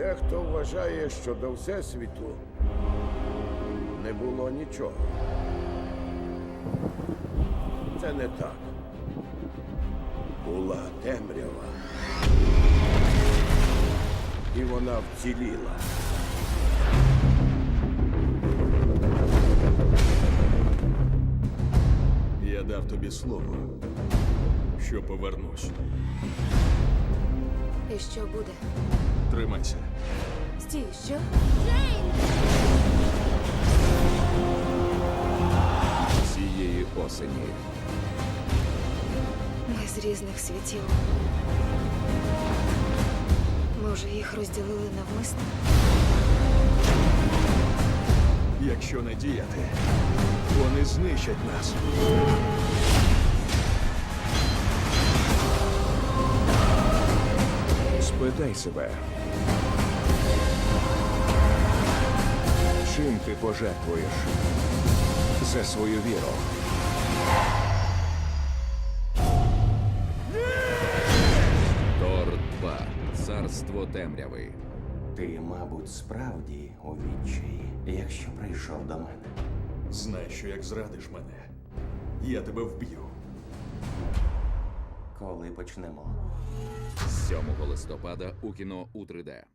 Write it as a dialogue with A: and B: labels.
A: Дехто вважає, що до Всесвіту не було нічого. Це не так. Була темрява. І вона вціліла.
B: Я дав тобі слово, що повернусь.
C: І що буде?
B: Тримайся.
C: Стій, що?
D: Цієї осені
C: Ми з різних світів. Може, їх розділили навмисно?
B: Якщо не діяти, вони знищать нас.
D: спитай себе. Чим ти пожертвуєш за свою віру? Тор 2. Царство темряви.
E: Ти, мабуть, справді у відчаї, якщо прийшов до мене.
B: Знай, що як зрадиш мене, я тебе вб'ю.
E: Коли почнемо?
D: 7 листопада у кіно у 3D.